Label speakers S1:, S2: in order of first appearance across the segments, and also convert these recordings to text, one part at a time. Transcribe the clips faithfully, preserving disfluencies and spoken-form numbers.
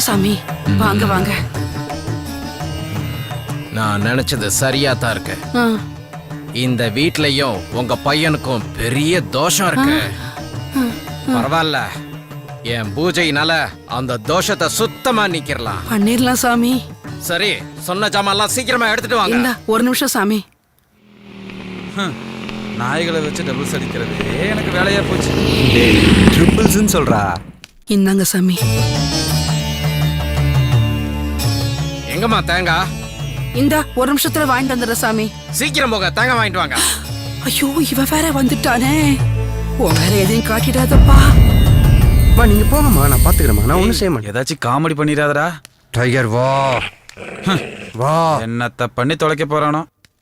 S1: சாமி, வாங்க வாங்க.
S2: நான் நினைச்சது சரியா தான் இருக்கு.
S1: ஆ,
S2: இந்த வீட்லயும் உங்க பையனுக்கும் பெரிய தோஷம் இருக்கு. பரவாயில்ல, என் பூஜையினால அந்த தோஷத்தை சுத்தமா நீக்கிரலாம்.
S1: பண்ணிரலாம் சாமி.
S2: சரி, சொன்ன ஜாமான்லாம் சீக்கிரமா எடுத்துட்டு வாங்க.
S1: இந்தா ஒரு நிமிஷம் சாமி.
S3: நாய்களை வச்சு டபுள்ஸ் அடிக்கிறது எனக்கு வேலையா போச்சு.
S4: ட்ரிபிள்ஸ்னு சொல்றா.
S1: இந்தாங்க சாமி.
S2: எங்கம்மா தேங்காய்?
S1: இந்தா ஒரு நிமிஷத்துல வாங்கிட்டு வந்துடுற சாமி.
S2: சீக்கிரம் போங்க, தேங்காய் வாங்கிட்டு வாங்க.
S1: ஐயோ, இவ வேற வந்துட்டானே. உன் வேற எதையும் காட்டிடாதப்பா.
S4: மா நீங்க போங்கம்மா, நான் பாத்துக்கிறேம்மா. நான் ஒண்ணும் செய்ய மாட்டேன்.
S3: ஏதாச்சும் காமெடி பண்ணிடாதடா.
S4: டைகர் வா வா.
S3: என்னத்த பண்ணி தொலைக்க போறானோ.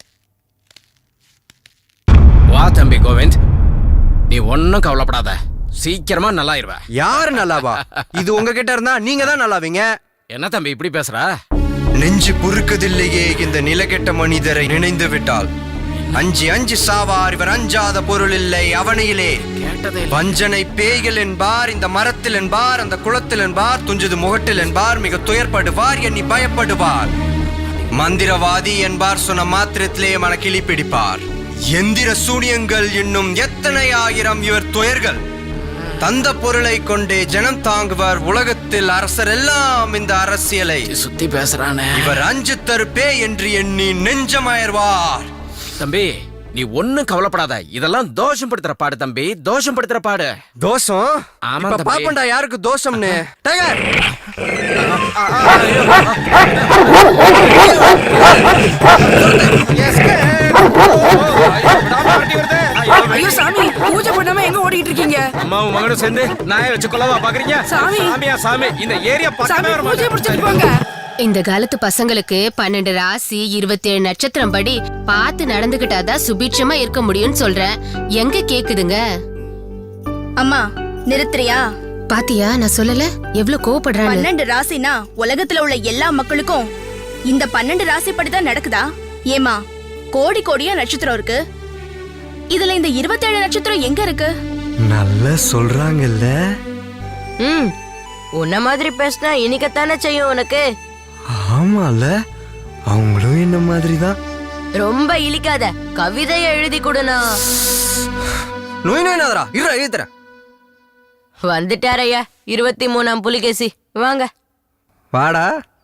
S2: வா தம்பி கோவிந்த், நீ ஒன்னும் கவலைப்படாத, சீக்கிரமா நல்லாயிருவ.
S4: யாரு நல்லாவா? இது உங்ககிட்ட இருந்தா நீங்க தான் நல்லாவீங்க.
S2: என்ன தம்பி இப்படி பேசுற?
S4: நெஞ்சு பொறுக்கதில்லையே இந்த நிலகெட்ட மனிதரை நினைந்து விட்டால். அஞ்சு அஞ்சு சாவார் இவர் அஞ்சாத பொருள் இல்லை அவனையிலே. வஞ்சனை பேய்கள் என்பார், இந்த மரத்தில் என்பார், அந்த குளத்தில் என்பார், துஞ்சது முகட்டில் என்பார், மிக துயர்படுவார், எண்ணி பயப்படுவார். மந்திரவாதி என்பார், சொன்ன மாத்திரத்திலே மன கிளி பிடிப்பார். எந்திர சூனியங்கள் இன்னும் எத்தனை ஆயிரம் இவர் துயர்கள். தந்த பொருளை கொண்டே ஜனம் தாங்குவார். உலகத்தில் அரசர் எல்லாம் இந்த அரசியலை
S2: சுத்தி பேசுறானே.
S4: இவர் அஞ்சு தருப்பே என்று எண்ணி நெஞ்சமயர்வார்.
S2: தம்பி நீ ஒன்னும் கவலைப்படாத, இதெல்லாம் தோஷம் படுத்துற பாடு தம்பி, தோஷம் படுத்துற பாடு.
S4: தோஷம்?
S2: ஆமா
S4: இப்ப
S2: தம்பி.
S4: பாப்பண்டா யாருக்கு தோஷம்னு. டைகர்
S1: ஐயோ சாமி, பூஜை பண்ணாம எங்க ஓடிட்டு இருக்கீங்க?
S2: அம்மாவும் மகனும் சேர்ந்து நாயை வச்சு கொல்லவா பாக்குறீங்க?
S1: சாமி.
S2: சாமியா சாமி, இந்த ஏரியா
S1: சாமி,
S2: பக்கமே வர
S1: பூஜை
S2: மாட்டேன்.
S1: முடிச்சிட்டு போங்க.
S5: இந்த காலத்து பசங்களுக்கு பன்னெண்டு ராசி இருபத்தி ஏழு நட்சத்திரம் படி பார்த்து நடந்துகிட்டாதான் சுபீட்சமா இருக்க முடியும்னு சொல்றேன். எங்க கேக்குதுங்க?
S6: அம்மா நிறுத்துறியா?
S5: பாத்தியா, நான் சொல்லல எவ்வளவு கோவப்படுறான்னு.
S6: பன்னெண்டு ராசினா உலகத்துல உள்ள எல்லா மக்களுக்கும் இந்த பன்னெண்டு ராசி படிதான் நடக்குதா? ஏமா கோடி கோடியா நட்சத்திரம் இருக்கு, இதுல இந்த இருபத்தி ஏழு நட்சத்திரம் எங்க இருக்கு?
S4: நல்லா சொல்றாங்கல்ல.
S7: ம் உன்ன மாதிரி பேசினா இனிக்கத்தானே செய்யும் உனக்கு.
S4: ஆமால, அவங்களும் என்ன மாதிரிதான்.
S7: ரொம்ப இழிக்காத, கவிதையை எழுதி கொடுனா.
S4: நோய் நோய்னாதரா இரு எழுதுறேன்.
S7: வந்துட்டாரையா இருபத்தி மூணாம் புலிகேசி, வாங்க.
S4: வாடா.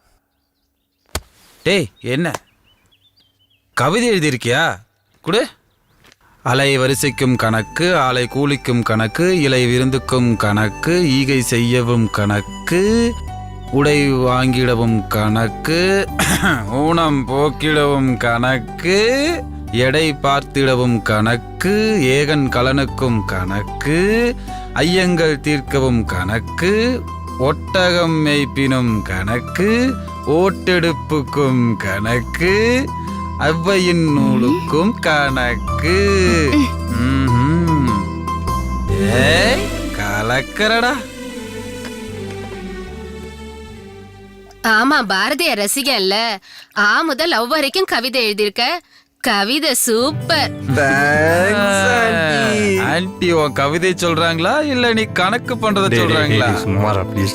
S3: டேய் என்ன கவிதை எழுதியிருக்கியா? குடு. அலை வரிசைக்கும் கணக்கு, ஆலை கூலிக்கும் கணக்கு, இலை விருந்துக்கும் கணக்கு, ஈகை செய்யவும் கணக்கு, உடை வாங்கிடவும் கணக்கு, ஊனம் போக்கிடவும் கணக்கு, எடை பார்த்திடவும் கணக்கு, ஏகன் கலனுக்கும் கணக்கு, ஐயங்கள் தீர்க்கவும் கணக்கு, ஒட்டகம் மேய்ப்பினும் கணக்கு, ஓட்டெடுப்புக்கும் கணக்கு, அவ்வையின் நூலுக்கும் கணக்கு. ம்ஹும். ஏய் கலக்கறடா.
S5: ஆமா, பாரதிய ரசிகன்ல. ஆ முதல் லவ் வரைக்கும் கவிதை எழுதியிருக்க. கவிதை சூப்பர்.
S3: ஆன்ட்டி உன் கவிதை சொல்றாங்களா இல்ல நீ கணக்கு பண்றத சொல்றாங்களா?
S4: சுமாரா ப்ளீஸ்.